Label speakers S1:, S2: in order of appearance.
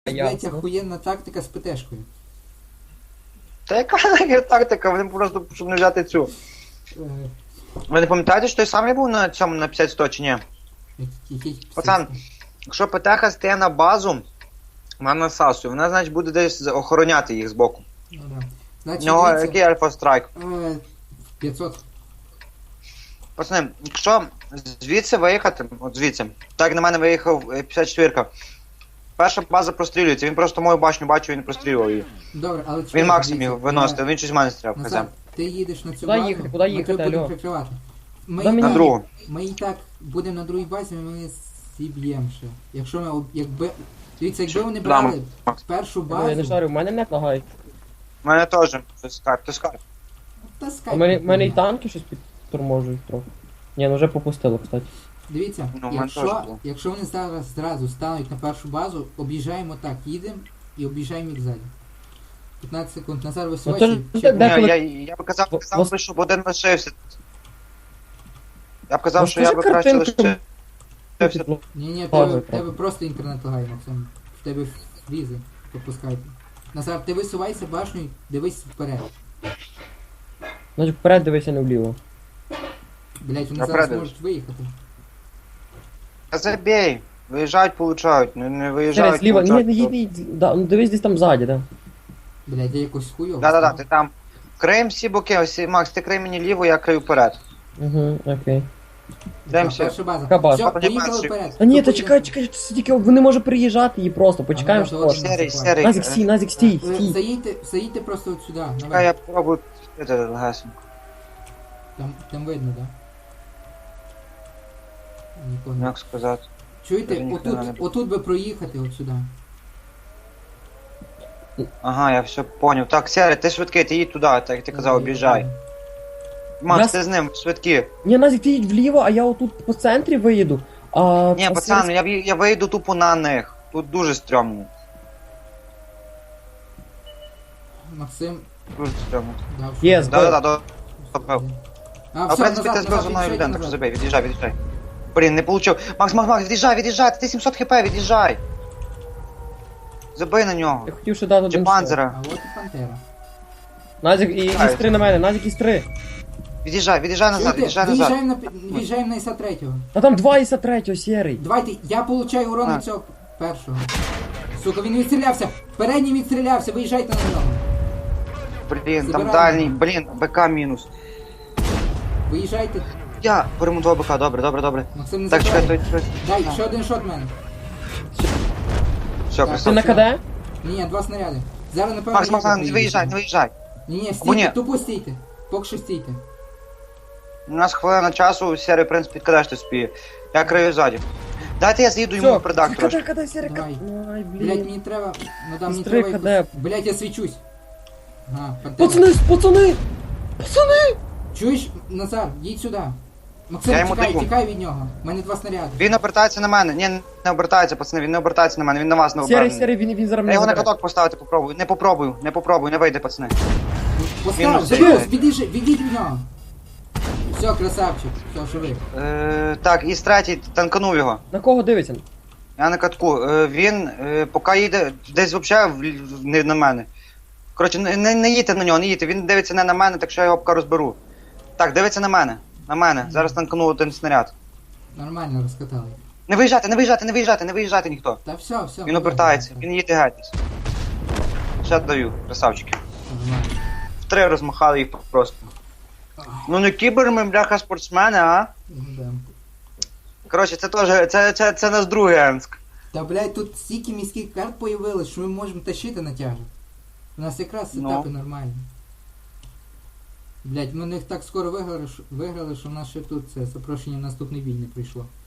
S1: Блять,
S2: Ясно.
S1: охуєнна тактика з ПТшкою.
S3: Та яка нахер тактика? Вони просто, щоб не взяти цю.
S1: Е,
S3: Ви не пам'ятаєте, що той самий був на цьому на 50-100 чи ні?
S1: який
S3: Пацан, якщо ПТХ стає на базу, вона насасує, вона, значить, буде десь охороняти їх збоку.
S1: Ну да.
S3: У
S1: Значить,
S3: нього
S1: дивіться,
S3: який альфа страйк.
S1: 500.
S3: Пацани, якщо звідси виїхати, от звідси, так як на мене виїхав 54-ка, перша база прострілюється, він просто мою башню бачив і не прострілював її.
S1: Добре, але чекай,
S3: Він максимум
S1: дивіться,
S3: його виносив, він щось в мене стріляв, хз.
S1: Назар, ти їдеш на цю
S2: Куди
S1: базу,
S2: їхати? Куди їхати,
S1: ми тебе будемо
S2: алло?
S1: прикривати.
S2: Куди мені?
S3: На другу.
S1: Ми і так будемо на другій базі, ми зіб'ємо ще. Якщо ми, якби... Дивіться, якби вони
S3: Да,
S1: брали
S3: Макс.
S1: першу
S2: Я не
S1: базу...
S2: шарю, в мене не лагає.
S3: У мене теж, то скарб.
S1: Та
S2: У
S1: скайп.
S2: мене і танки щось підторможують трохи. Ні, ну вже попустило, кстати.
S1: Дивіться,
S3: Ну, в мене теж було.
S1: якщо вони зараз зразу стануть на першу базу, об'їжджаємо так, їдемо і об'їжджаємо їх ззаді. 15 секунд, Назар
S2: Ну, то
S1: висувайся.
S2: ж
S1: чи-
S2: де-
S3: Ні,
S2: коли-
S3: я б казав,
S2: Вос-
S3: би, щоб один лишився. Я б казав, що я
S2: Розкажи
S3: би краще
S2: картинку.
S3: лишився.
S1: Ні,
S2: Ладно,
S1: в тебе просто інтернет лагає, Максим. В тебе візи пропускайте. Назар, ти висувайся башнею, дивись вперед.
S2: Значить вперед дивися, не вліво.
S1: Блять, вони
S3: Я
S1: зараз
S3: вперед
S1: можуть виїхати.
S3: Та забей. Виїжджають, получають. Не виїжджають,
S2: Через ліво. Ні, не
S3: получають.
S2: їдь, да, ну дивись десь там ззаді, да.
S1: Блять, я якось хуйово.
S3: Да-да-да,
S1: став.
S3: ти там. Криєм всі боки, ось, Макс, ти крий мені ліво, я крию вперед.
S2: Угу, окей.
S3: Йдемося.
S1: Перша база.
S2: Яка база?
S1: Все,
S3: Папа, не
S1: поїхали
S3: бачиш.
S1: вперед.
S2: Та ні, та
S1: Хто
S2: чекай,
S1: поїде?
S2: чекай, це тільки вони може приїжджати її просто, почекаємо
S1: Ага,
S2: що.
S1: то
S3: Серий, серий.
S2: Назік стій, Назік стій,
S1: Е,
S2: стій.
S1: Заїдьте просто от сюди,
S3: Чекай,
S1: давай.
S3: я попробую це легесенько.
S1: Там видно, да? Нікого не.
S3: Як сказати.
S1: Чуєте,
S3: Даже ніхрена не
S1: отут би проїхати от сюди.
S3: Ага, я все поняв. Так, Серий, ти швидкий, ти їдь туди, так як ти казав, об'їжджай. Макс,
S2: Нас-
S3: ти з ним, швидкі.
S2: Ні, Назік, ти їдь вліво, а я отут по центрі виїду.
S3: Ні, пацан, я вийду тупо на них. Тут дуже стрьомно.
S1: Максим
S3: Дуже стрьомно.
S1: дав.
S2: Є,
S1: що-
S2: збив.
S3: Да-да-да, добре.
S1: А,
S3: А в
S1: все,
S3: принципі ти
S1: назад,
S3: збив
S1: назад,
S3: за мною
S1: від'їжджай
S3: людину, так що
S1: назад.
S3: забей, від'їжджай. Блін, не получив. Макс, від'їжджай, ти 700 хп, від'їжджай. Забий на нього.
S2: Я хотів ще дати
S3: Чи
S2: один шот.
S3: панзера.
S1: А от і Пантера.
S2: Назік, і
S3: Ай.
S2: із 3 на мене, Назік із 3.
S3: Від'їжджай назад,
S1: Чуєте,
S3: від'їжджай назад.
S1: виїжджаємо на ІСа третього.
S2: А там 2 іса 3, сірий.
S1: Давайте, я получаю урон
S3: А.
S1: від цього першого. Сука, він відстрілявся. Передній відстрілявся, виїжджайте на нього.
S3: Блін, там
S1: Забираємо.
S3: дальній, блін, БК мінус.
S1: Виїжджайте.
S3: Я поремонтував БК, добре.
S1: Максим не
S3: Так, чекай,
S1: забирай.
S3: той.
S1: Дай, ще один шот в мене.
S3: Все,
S1: Так,
S2: Ти
S3: красавчик.
S2: на КД?
S1: Ні, 2 снаряди. Зараз напевно.
S3: Макс, не виїжджай.
S1: Ні,
S3: Або
S1: стійте,
S3: ні.
S1: тупо стійте. Поки що стійте.
S3: У нас хвилина часу, Серий, в принципі, підкидаєш ти спіє. Я крию ззаді. Дайте я з'їду йому в придак трошки.
S2: КД, сірий,
S1: Давай.
S2: Ай,
S1: Блять,
S2: блін.
S1: мені треба. Ну да, мені
S2: Сестри,
S1: треба.
S2: КД.
S1: якось- Блять, я свічусь. Ага, Пантера.
S2: Пацани!
S1: Чуєш, Назар, їдь сюди. Максим,
S3: Я йому
S1: чекай,
S3: даю.
S1: тікай від нього. У мене 2 снаряди.
S3: Він обертається на мене. Ні, не обертається, пацани, він не обертається на мене, він на вас не обернений.
S2: Сірий, він зараз
S3: Я
S2: мене
S3: його на
S2: забере.
S3: каток поставити попробую. Не попробую, не вийде, пацани.
S1: Постав,
S3: Мінус
S1: забив,
S3: дев'ять.
S1: відійдіть від нього. Все, красавчик, все, живий.
S3: Так, і третій танканув його.
S2: На кого дивиться?
S3: Я на катку. Він поки їде десь взагалі не на мене. Коротше, не їдьте на нього, не їдьте. Він дивиться не на мене, так що я його поки розберу. Так, дивиться на мене. На мене. Зараз танканув один снаряд.
S1: Нормально розкатали.
S3: Не виїжджати ніхто.
S1: Та все.
S3: Він обертається, він їде геть. Ще даю, красавчики.
S1: Нормально.
S3: Втри розмахали їх просто. Ну не кібер ми, бляха, спортсмени, а?
S1: Ну, да.
S3: Коротше, це теж, це наш другий Енск.
S1: Та блядь, тут стільки міських карт появилось, що ми можемо тащити натяжок. У нас якраз
S3: Ну.
S1: сетапи нормальні. Блять, ми них так скоро виграли, що в нас ще тут це запрошення в наступний бій не прийшло.